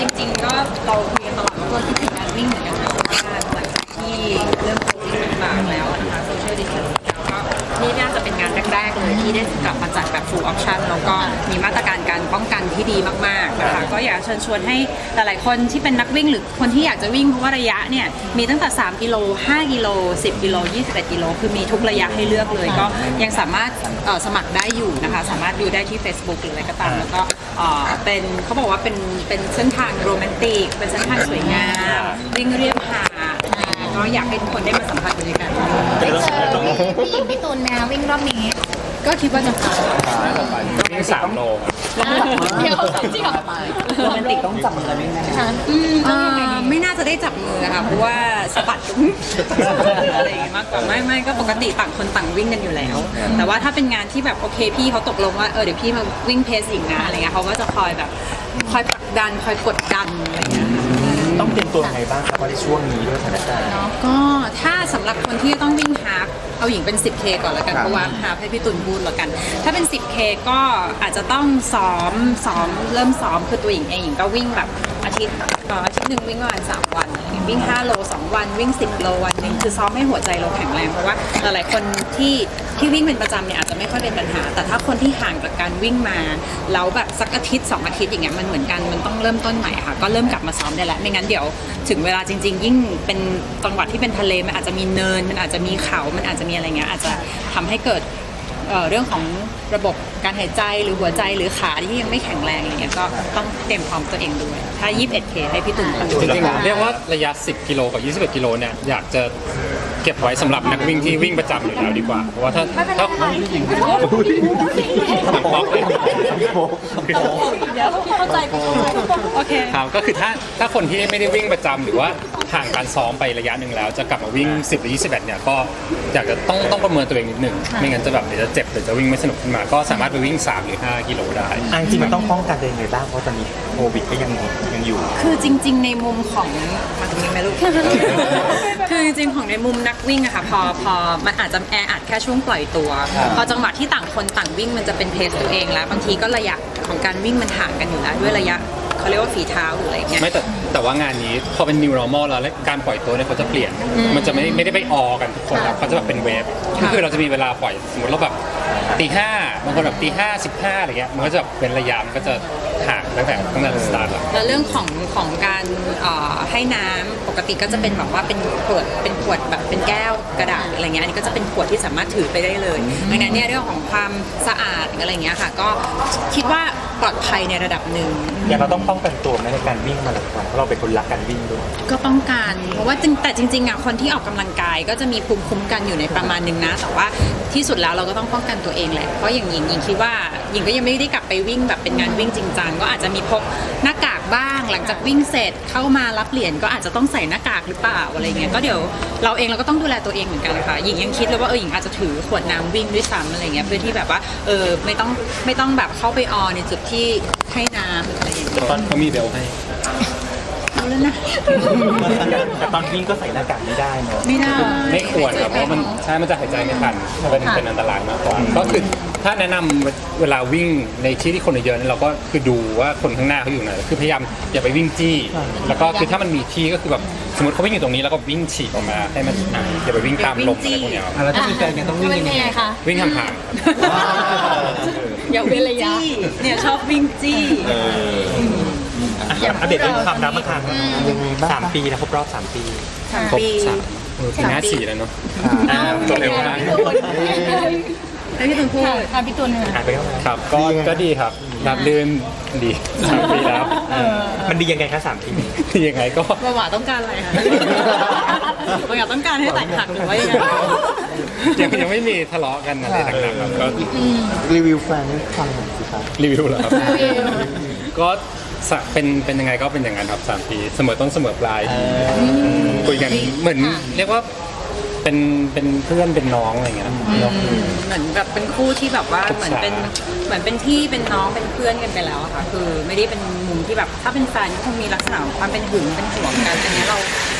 จริงๆก็เราคุยกันตลอดว่าคิดถึงการวิ่งเหมือนกันนะเพราะว่าหลังจากที่เริ่มโควิดต่างๆแล้วนะคะโซเชียลดิสแทนซิ่งแล้วก็นี่น่าจะเป็นงานแรกๆเลยที่ได้กลับมาจัดแบบ full option แล้วก็มีมาตรการการป้องกันที่ดีมากๆนะคะก็อยากเชิญชวนให้หลายๆคนที่เป็นนักวิ่งหรือคนที่อยากจะวิ่งเพราะว่าระยะเนี่ยมีตั้งแต่3กิโล5กิโล10กิโล21กิโลคือมีทุกระยะให้เลือกเลยก็ยังสามารถสมัครได้อยู่นะคะสามารถดูได้ที่ Facebook หรืออะไรก็ตามแล้วก็เป็นเขาบอกว่าเป็นเส้นทางโรแมนติกเป็นเส้นทางสวยงามวิ่งเรียบหาดก็อยากให้ทุกคนได้มาสัมผัสบรรยากาศพี่หญิงพี่ตูนแมววิ่งรอบนี้ก็คิดว่าจะพาวิ่ง3 โลเดี๋ยวจริงเหรอโรแมนติกต้องจับมือกันวิ่งไหมไม่น่าจะได้จับมือนะคะเพราะว่าสะบัดอะไรอย่างเงี้ยมากกว่าไม่ก็ปกติต่างคนต่างวิ่งกันอยู่แล้วแต่ว่าถ้าเป็นงานที่แบบโอเคพี่เขาตกลงว่าเดี๋ยวพี่มาวิ่งเพสอีกนะอะไรเงี้ยเขาก็จะคอยผลักดันคอยกดดันอะไรเงี้ยต้องเตรียมตัวยังไงบ้างครับเพราะในช่วงนี้ด้วยสถานการณ์ก็ถ้าสำหรับคนที่ต้องวิ่งฮาล์ฟเอาหญิงเป็น 10K ก่อนแล้วกันเพราะว่าฮาล์ฟให้พี่ตุลพูดแล้วกันถ้าเป็น 10K ก็อาจจะต้องซ้อมเริ่มซ้อมคือตัวหญิงเองหญิงก็วิ่งแบบอาทิตย์หนึ่งวิ่งประมาณ3 วันอะไรเงี้ยวิ่ง5 โล 2 วันวิ่ง10 โลวันนึงคือซ้อมให้หัวใจเราแข็งแรงเพราะว่าหลายๆคนที่วิ่งเป็นประจำเนี่ยอาจจะไม่ค่อยเป็นปัญหาแต่ถ้าคนที่ห่างจากการวิ่งมาแล้วแบบสักอาทิตย์2 อาทิตย์อย่างเงี้ยมันเหมือนกันมันต้องเริ่มต้นใหม่ค่ะก็เริ่มกลับมาซ้อมได้แล้วไม่งั้นเดี๋ยวถึงเวลาจริงๆยิ่งเป็นจังหวัดที่เป็นทะเลมันอาจจะมีเนินมันอาจจะมีเขามันอาจจะมีอะไรเงี้ยอาจจะทำให้เกิดเรื่องของระบบการหายใจหรือหัวใจหรือขาที่ยังไม่แข็งแรงอะไรเงี้ยก็ต้องเตรียมพร้อมตัวเองด้วยถ้า 21K ให้พี่ตุ่นจริงๆเรียกว่าระยะ10 กิโลกับ21 กิโลเนี่ยอยากจะเก็บไว้สำหรับนักวิ่งที่วิ่งประจำอยู่แล้วดีกว่าเพราะว่าถ้าเข้าใจโอเคครับก็คือถ้าคนที่ไม่ได้วิ่งประจำหรือว่าห่างการซ้อมไประยะหนึ่งแล้วจะกลับมาวิ่ง10หรือ21เนี่ยก็อยากจะต้องประเมินตัวเองนิดนึงไม่งั้นจะแบบเดี๋ยวจะเจ็บหรือจะวิ่งไม่สนุกขึ้นมาก็สามารถไปวิ่ง3 หรือ 5 กิโลได้จริงมันต้องป้องกันตัวเองไงบ้างเพราะตอนนี้โควิดก็ยังอยู่คือจริงๆในมุมของมาตรงนี้ไหมลูกคือจริงๆของในมุมนักวิ่งอะค่ะพอมันอาจจะแออัดแค่ช่วงปล่อยตัวพอจังหวะที่ต่างคนต่างวิ่งมันจะเป็นเพสตัวเองแล้วบางทีก็ระยะของการวิ่งมันห่างกันอยู่แล้วด้วยระยะเขาเรียกว่าฝีเท้าหรืออะไรเงี้ยไม่แต่ว่างานนี้พอเป็น new normal แล้วการปล่อยตัวเนี่ยเขาจะเปลี่ยนมันจะไม่ได้ไปออกันทุกคนแล้วเขาจะแบบเป็นเวฟคือเราจะมีเวลาปล่อยสมมติเราแบบตี 5บางคนแบบตี 5 15อะไรเงี้ยมันก็จะเป็นระยะมันก็จะห่างตั้งแต่สตาร์ทแล้วเรื่องของการให้น้ำปกติก็จะเป็นแบบว่าเป็นขวดแบบเป็นแก้วกระดาษอะไรเงี้ยอันนี้ก็จะเป็นขวดที่สามารถถือไปได้เลยดังนั้นเนี่ยเรื่องของความสะอาดอะไรเงี้ยค่ะก็คิดว่าปลอดภัยในระดับหนึ่งอย่างเราต้องป้องกันตัวในการวิ่งมาราธอนเพราะเราเป็นคนรักการวิ่งด้วยก็ป้องกันเพราะว่าแต่จริงๆอ่ะคนที่ออกกำลังกายก็จะมีภูมิคุ้มกันอยู่ในประมาณนึงนะแต่ว่าที่สุดแล้วเราก็ต้องป้องกันตัวเองแหละเพราะอย่างหญิงคิดว่าหญิงก็ยังไม่ได้กลับไปวิ่งแบบเป็นงานวิ่งจริงจังก็อาจจะมีพกหน้ากากบ้างหลังจากวิ่งเสร็จเข้ามารับเหรียญก็อาจจะต้องใส่หน้ากากหรือเปล่าอะไรเงี้ยก็เดี๋ยวเราก็ต้องดูแลตัวเองเหมือนกันค่ะหญิงยังคิดเลยว่าหญิงอาจจะถือขวดน้ำวิ่งด้วยซ้ำอะไรเงี้ยเพื่อที่แบบว่าไม่ต้องแบบเข้าไปออในจุดที่ให้น้ำอะไรอย่างเงี้ยตอนเขามีเบลให้เอาแล้วนะแต่ตอนวิ่งก็ใส่หน้ากากไม่ได้เนาะไม่ควรครับเพราะมันจะหายใจไม่ทันเป็นอันตรายมากกว่าก็คือถ้าแนะนำเวลาวิ่งในที่คนเยอะๆเราก็คือดูว่าคนข้างหน้าเขาอยู่ไหนคือพยายามอย่าไปวิ่งจี้แล้วก็คือถ้ามันมีที่ก็คือแบบสมมติเขาวิ่งอยู่ตรงนี้แล้วก็วิ่งฉีกออกมาให้มันอย่าไปวิ่งตามลมอะไรพวกนี้แล้วถ้ามีแฟนยังต้องวิ่งยังไงคะวิ่งห่างอย่าเว้นระยะเนี่ยชอบวิ่งจี้อัปเดตเรื่องความรักมาทาง3 ปีแล้วครบรอบ3 ปีครบ3 ปี4แล้วเนาะตัวเร็วมากให้พี่ตุลพูดพี่ตุลครับก็ดีครับรับลื่นดี3 ปีแล้วมันดียังไงคะ3 ปีดียังไงก็หวาต้องการอะไรคะหวาต้องการให้แตกหักหรือว่ายังไม่มีทะเลาะกันอะไรต่างๆครับก็รีวิวแฟนให้ฟังหน่อยสิครับรีวิวเหรอครับก็เป็นยังไงก็เป็นอย่างนั้นครับ3 ปีเสมอต้นเสมอปลายคุยกันเหมือนเรียกว่าเป็นเพื่อนเป็นน้องอะไรเงี้ยเหมือนแบบเป็นคู่ที่แบบว่าเหมือนเป็นพี่เป็นน้องเป็นเพื่อนกันไปแล้วค่ะคือไม่ได้เป็นมุมที่แบบถ้าเป็นแฟนก็คงมีลักษณะของความเป็นหึงเป็นห่วงกันอันนี้เรา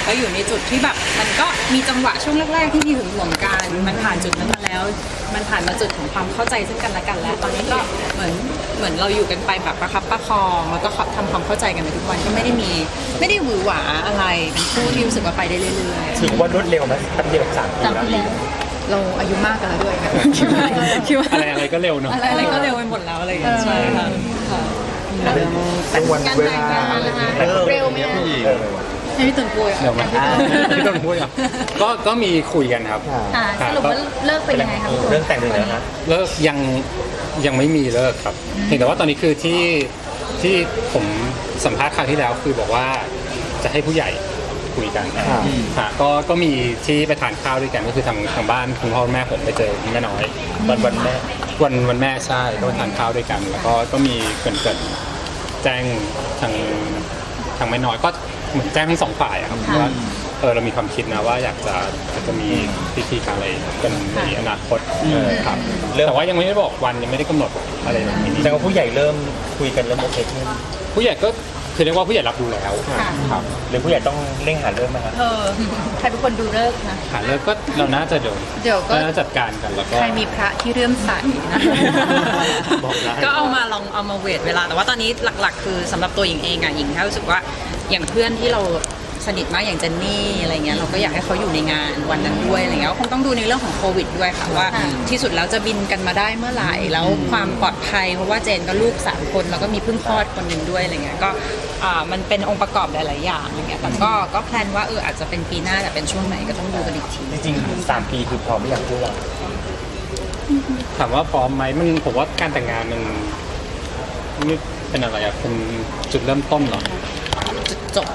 ก็อยู่ในจุดที่แบบมันก็มีจังหวะช่วงแรกๆที่มีหึงหวงกันมันผ่านจุดนั้นมาแล้ว มันผ่านมาจุดของความเข้าใจซึ่งกันและกันแล้วตอนนี้ก็เหมือนเราอยู่กันไปแบบประคับประคองแล้วก็ทำความเข้าใจกันไปทุกวันก็ไม่ได้หวือหวาอะไรเป็นคู่ที่รู้สึกว่าไปได้เรื่อยๆถือว่ารวดเร็วไหมแป๊บเดียว3 ปีแล้วเราอายุมากกันแล้วด้วยค่ะคิดว่าอะไรก็เร็วเนาะอะไรก็เร็วไปหมดแล้วอะไรอย่างเงี้ยใช่ค่ะแต่วันเวลาเร็วไหมคะให้พี่ตุนปุยเดี๋ยวมาพี่ต้นพูดอ่ะก็มีคุยกันครับสรุปว่าเลิกไปยังไงคะพี่ตุนเรื่องแต่งเลยนะเลิกยังไม่มีเลิกครับเพียงแต่ว่าตอนนี้คือที่ผมสัมภาษณ์คราวที่แล้วคือบอกว่าจะให้ผู้ใหญ่คุยกันก็มีที่ไปทานข้าวด้วยกันก็คือทางบ้านคุณพ่อคุณแม่ผมไปเจอคุณแม่น้อยวันแม่วันแม่ใช่ก็ไปทานข้าวด้วยกัน แล้วก็มีเกิดแจ้งทางแม่น้อยก็เหมือนแจ้งทั้งสองฝ่ายอะครับว่าเรามีความคิดนะว่าอยากจะมีพิธีการอะไรกันในอนาคตครับแต่ว่ายังไม่ได้บอกวันยังไม่ได้กำหนดอะไรแบบนี้แต่ว่าผู้ใหญ่เริ่มคุยกันเริ่มโอเคขึ้นผู้ใหญ่ก็คือเรียกว่าผู้ใหญ่รับรู้แล้วครับหรือผู้ใหญ่ต้องเร่งหาเริ่มไหมครับใครเป็นคนดูเลิกษ์นะหาเลิกก็เราน่าจะเดี๋ยวก็น่าจัดการกันแล้วก็ใครมีพระที่เรื่อมใสนะบอกได้ก็เอามาเวทเวลาแต่ว่าตอนนี้หลักๆ คือสำหรับตัวหญิงเองอะหญิงแค่รู้สึกว่าอย่างเพื่อนที่เราสนิทมากอย่างเจนนี่อะไรเงี้ยเราก็อยากให้เขาอยู่ในงานวันนั้นด้วยอะไรเงี้ยก็คงต้องดูในเรื่องของโควิดด้วยค่ะว่าที่สุดแล้วจะบินกันมาได้เมื่อไหร่แล้วความปลอดภัยเพราะว่าเจนก็ลูก3 คนแล้วก็มีเพิ่งคลอดคนหนึ่งด้วยอะไรเงี้ยก็มันเป็นองค์ประกอบหลายๆอย่างอะไรเงี้ยแต่ก็แพลนว่าอาจจะเป็นปีหน้าแต่เป็นช่วงไหนก็ต้องดูกันอีกทีจริงๆ3 ปีคือพร้อมไม่อยากพูดหรอกถามว่าพร้อมไหมผมว่าการแต่งงานมันนี่เป็นอะไรอะเป็นจุดเริ่มต้นเหรอจบ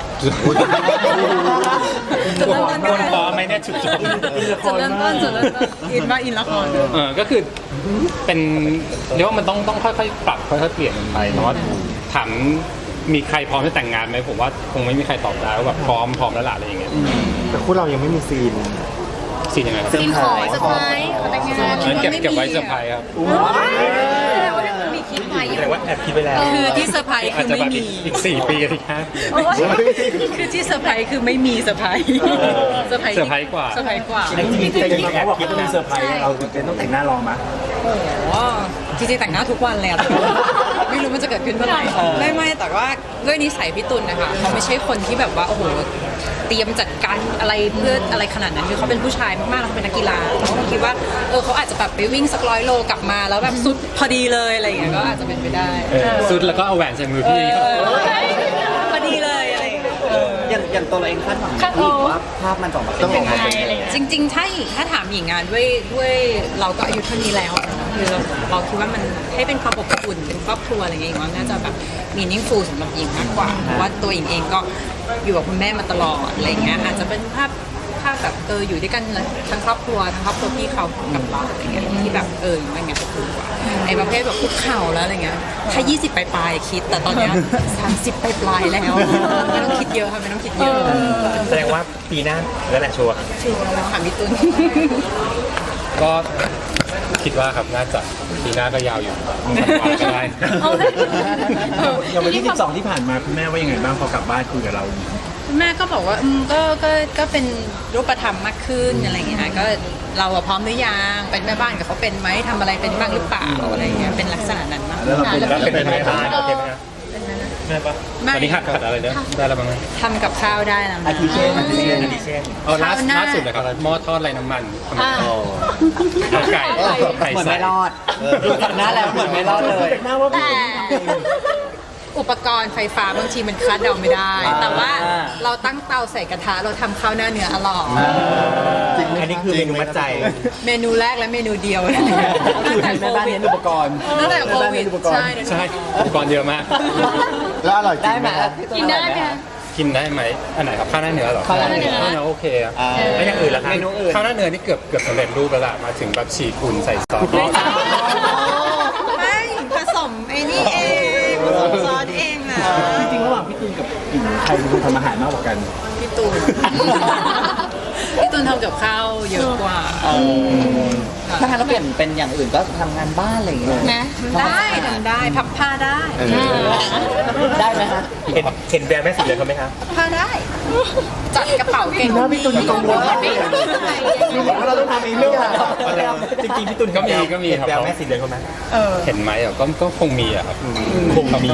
คนพร้อมไหมเนี่ยจุดจบจุดเริ่มต้นอินว่าอินละครก็คือเป็นเรียกว่ามันต้องค่อยๆปรับค่อยๆเปลี่ยนกันไปเนาะถามมีใครพร้อมจะแต่งงานไหมผมว่าคงไม่มีใครตอบได้ว่าแบบพร้อมแล้วล่ะอะไรอย่างเงี้ยแต่คู่เรายังไม่มีซีนสิ่งยังไงครับซีนขอเซอร์ไพรส์ขอแต่งงานงั้นเก็บไว้เซอร์ไพรส์ครับมีคิดไว้แต่ว่าแอบคิดไปแล้วคือที่เซอร์ไพรส์อาจคือจะไม่แบบมีอีก4 ปีอีก5 ปีคือที่เซอร์ไพรส์คือไม่มีเซอร์ไพรส์เซอร์ไพรส์เซอร์ไพรส์กว่าเซอร์ไพรส์กว่าจริงๆเขาบอกว่าต้องมีเซอร์ไพรส์เราจะต้องแต่งหน้ารอมาโอ้โหจริงๆแต่งหน้าทุกวันเลยอะไม่รู้มันจะเกิดขึ้นเมื่อไหร่ไม่แต่ว่าด้วยนิสัยพี่ตุลนะคะเขาไม่ใช่คนที่แบบว่าโอ้โหเตรียมจัดการอะไรเพื่ออะไรขนาดนั้นคือเขาเป็นผู้ชายมากๆแล้วเขาเป็นนักกีฬาเขาก็คิดว่าเขาอาจจะแบบไปวิ่งสัก100 โลกลับมาแล้วแบบสุดพอดีเลยอะไรอย่างเงี้ยก็อาจจะเป็นไปได้สุดแล้วก็เอาแหวนใส่มือพี่เขาพอดีเลยอะไรอย่างเงี้ยอย่างตัวเราเองคาดหวังว่าภาพมันจะออกมาเป็นยังไงจริงๆถ้าถามหญิงงานด้วยเราก็อายุเท่านี้แล้วคือเราคิดว่ามันให้เป็นความอบอุ่นเป็นครอบครัวอะไรอย่างเงี้ยว่าน่าจะแบบมีนิ่งฟูลสำหรับหญิงมากกว่าเพราะว่าตัวหญิงเองก็อยู่กับคุณแม่มาตลอดอะไรเงี้ยอาจจะเป็นภาพแบบอยู่ด้วยกันทั้งครอบครัวพี่เขากับเราอะไรเงี้ยที่แบบอย่างเงี้ยจะถูกกว่าไอ้ประเภทแบบคุกเข่าแล้วอะไรเงี้ยถ้า20ปลายๆคิดแต่ตอนเนี้ย30ปลายๆแล้วไม่ต้องคิดเยอะค่ะไม่ต้องคิดเยอะแสดงว่าปีหน้าแล้วแหละชัวร์ชัวร์แล้วค่ะพี่ตุ้นก็คิดว่าครับน่าจะปีหน้าก็ยาวอยู่ก็ได้อย่างวันที่12ที่ผ่านมาคุณแม่ว่ายังไงบ้างพอกลับบ้านคุยกับเราแม่ก็บอกว่าก็เป็นรูปธรรมมากขึ้นอะไรอย่างเงี้ยก็เราพร้อมหรือยังเป็นแม่บ้านกับเขาเป็นไหมทำอะไรเป็นบ้างหรือเปล่าอะไรอย่างเงี้ยเป็นลักษณะนั้นมากแล้วเราเป็นแล้วเป็นแม่บ้านโอเคไหมครับแม่ปะตอนนี้หัดอะไรเนี่ยได้แล้วบ้างไหมทำกับข้าวได้แล้วอาทิเช่นดิเช่นล่าสุดเลยครับหม้อทอดไรน้ำมันทำเอาไก่เหมือนใส่ไม่รอดดูจากหน้าแล้วเหมือนไม่รอดเลยหน้าว่าแต่อุปกรณ์ไฟฟ้าบางทีมันคาดเดาไม่ได้ แต่ว่าเราตั้งเตาใส่กระทะเราทำข้าวหน้าเนื้ออร่อยอันนี้คือเมนูมัดใจเมนูแรกและเมนูเดียวคือแม่บ้านเน้นอุปกรณ์ตั้งแต่โควิดใช่ใช่อุปกรณ์เยอะมากแล้วอร่อยจริได้งไหมกินได้ไหมคะกินได้ไหมอันไหนครับข้าวหน้าเนื้อเหรอข้าวหน้าเนื้อข้าวหน้าโอเคอะแล้วอย่างอื่นล่ะครับเมนูอื่นข้าวหน้าเนื้อนี่เกือบสำเร็จรูปแล้วล่ะมาถึงแบบฉีกคุณใส่ซอสไม่ผสมไอ้นี่เองผสมซอสเองนะจริงๆระหว่างพี่ตูนกับหญิงใครเป็นคนทำอาหารมากกว่ากันพี่ตูนพี่ตูนตูนทำกับข้าวเยอะกว่าถ้างั้นเราเปลี่ยนเป็นอย่างอื่นก็ทำงานบ้านอะไรอย่างเงี้ยนะได้ทำได้พับผ้าได้ได้ไหมคะเห็นแววแม่สีเหลืองเขาไหมคะผ้าได้ จัดกระเป๋าเก่งหน้าพี่ตุลกังวลมากเลยดูเหมือนว่าเราต้องทำเองทุกอย่างจริงๆพี่ตุลก็มีก็มีเห็นครับแววแม่สีเหลืองเขาไหมเห็นไหมอ่ะก็คงมีอ่ะครับคงมี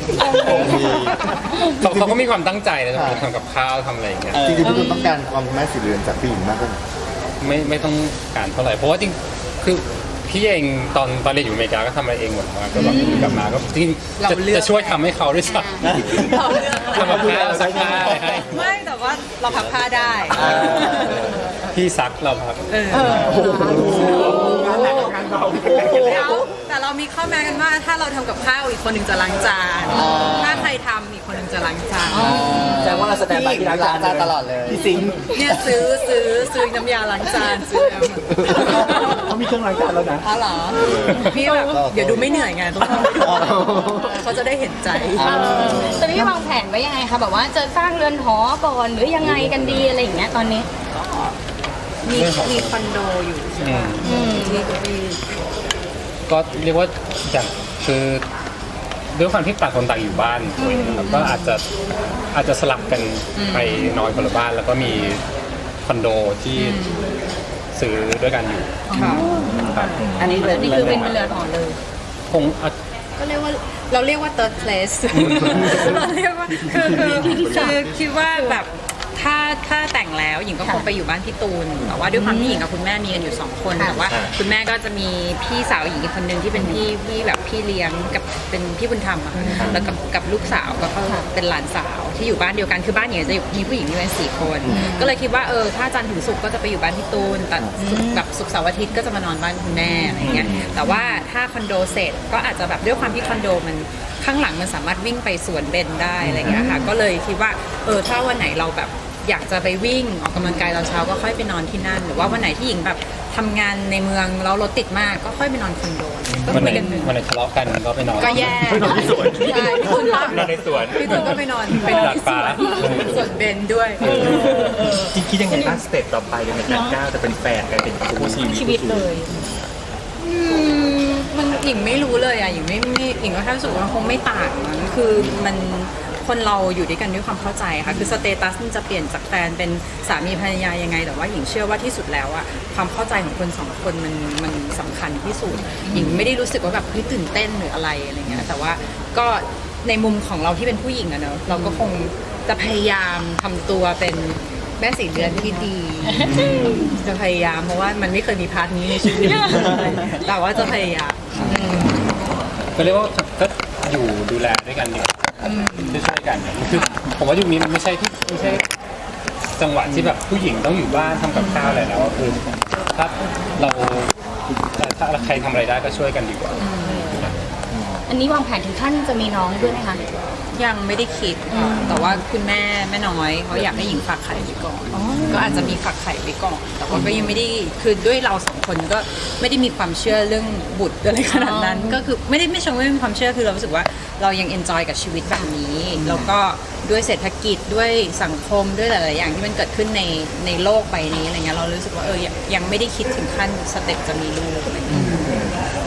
เขาก็มีความตั้งใจนะทำกับข้าวทำอะไรอย่างเงี้ยจริงๆพี่ตุลต้องการความแม่สีเรือนจากผู้หญิงมากกว่าไม่ต้องการเท่าไหร่เพราะว่าจริงคือพี่เองตอนเรียนอยู่อเมริกาก็ทำอะไรเองหมดมาก็แบบกลับมาก็จริงจะช่วยทำให้เขาด้วยซ้ำเราเลือกทำกับข้าวซักผ้าอะไรให้ไม่แต่ว่าเราพับผ้าได้พี่ซักเราครับงานหนักกับงานเบาแต่เรามีข้อแม้กันว่าถ้าเราทำกับข้าวอีกคนหนึ่งจะล้างจาน ถ้าใครทำอีกคนหนึ่งจะล้างจานแสดงว่าเราแสดงบายที่ร้านจานตลอดเลยพี่สิงห์เนี่ยซื้อน้ำยาล้างจานซื้อแล้วเขามีเครื่องล้างจานแล้วนะอ๋อเหรอพี่แบบเดี๋ยวดูไม่เหนื่อยไงต้องทำให้ดูเขาจะได้เห็นใจตอนนี้วางแผนไว้ยังไงคะแบบว่าจะสร้างเรือนหอก่อนหรือยังไงกันดีอะไรอย่างเงี้ยตอนนี้มีคอนโดอยู่ใช่ไหมที่ก็เรียกว่าอย่างคือด้วยความที่ต่างคนต่างอยู่บ้านแล้วก็อาจจะสลับกันไปนอนคนละบ้าน แล้วก็มีคอนโดที่ซื้อด้วยกันอยู่ครับอันนี้เป็นนี่คือเป็นเรือนหอเลยคงอาจก็เรียกว่าเราเรียกว่า third place เราเรียกว่าคือคิดว่าแบบถ้าแต่งแล้วหญิงก็คงไปอยู่บ้านพี่ตูนแต่ว่าด้วยความที่หญิงกับคุณแม่มีกันอยู่2คนแต่ว่าคุณแม่ก็จะมีพี่สาวหญิงอีกคนนึงที่เป็นพี่แบบพี่เลี้ยงกับเป็นพี่บุญธรรมอะแล้วกับลูกสาวก็เป็นหลานสาวที่อยู่บ้านเดียวกันคือบ้านหญิงจะมีผู้หญิงอยู่กัน4 คนก็เลยคิดว่าถ้าจันทร์ถึงศุกร์ก็จะไปอยู่บ้านพี่ตูนแต่แบบศุกร์เสาร์อาทิตย์ก็จะมานอนบ้านคุณแม่อะไรอย่างเงี้ยแต่ว่าถ้าคอนโดเสร็จก็อาจจะแบบด้วยความที่คอนโดมันข้างหลังมันสามารถวิ่งไปสวนเบญได้อะไรอย่างเงี้ยค่ะก็เลยคิดว่าถ้าวันไหนเราแบบอยากจะไปวิ่งออกกำลังกายตอนเช้าก็ค่อยไปนอนที่นั่นหรือว่าวันไหนที่หญิงแบบทำงานในเมืองแล้วรถติดมากก็ค่อยไปนอนคอนโดก็วันไหนคุยกันวันไหนทะเลาะกันก็ไปนอนก็แย่ไปนอนที่สวนใช่พี่ตุนนอนในสวนพี่ตุนก็ไปนอนที่สวนสวนเบญด้วยจริงคิดยังไงบ้างสเต็ปต่อไปเลยในการก้าวจะเป็นแฟนกันเป็นคู่ชีวิตมันหญิงไม่รู้เลยอ่ะหญิงหญิงก็แค่รู้สึกว่ามันคงไม่ต่างมั้งคือมันคนเราอยู่ด้วยกันด้วยความเข้าใจค่ะคือสเตตัสมันจะเปลี่ยนจากแฟนเป็นสามีภรรยายังไงแต่ว่าหญิงเชื่อว่าที่สุดแล้วอ่ะความเข้าใจของคน2 คนมันสำคัญที่สุดหญิงไม่ได้รู้สึกว่าแบบเฮ้ยตื่นเต้นหรืออะไรเงี้ยแต่ว่าก็ในมุมของเราที่เป็นผู้หญิงอะเนอะเราก็คงจะพยายามทำตัวเป็นแม่สีเรือนที่ดี จะพยายามเพราะว่ามันไม่เคยมีพาร์ทนี้ในชีวิต แต่ว่าจะพยายามก็เรียกว่าก็อยู่ดูแลด้วยกันดีกว่าช่วยๆกันคือผมว่ายุคนี้มันไม่ใช่จังหวะที่แบบผู้หญิงต้องอยู่บ้านทำกับข้าวอะไรแล้วคือถ้าใครทำอะไรได้ก็ช่วยกันดีกว่าอันนี้วางแผนถึงขั้นจะมีน้องด้วยไหมคะยังไม่ได้คิดค่ะแต่ว่าคุณแม่น้อยเขาอยากให้หญิงฝากไข่ไปก่อนก็อาจจะมีฝากไข่ไปก่อนแต่ว่าก็ยังไม่ได้คือด้วยเรา2 คนก็ไม่ได้มีความเชื่อเรื่องบุตรอะไรขนาดนั้นก็คือไม่เชิงว่าไม่มีความเชื่อคือเรารู้สึกว่าเรายังเอนจอยกับชีวิตแบบนี้แล้วก็ด้วยเศรษฐกิจด้วยสังคมด้วยหลายๆอย่างที่มันเกิดขึ้นในโลกใบนี้อะไรเงี้ยเรารู้สึกว่ายังไม่ได้คิดถึงขั้นสเต็ปจะมีลูกอะไรเงี้ย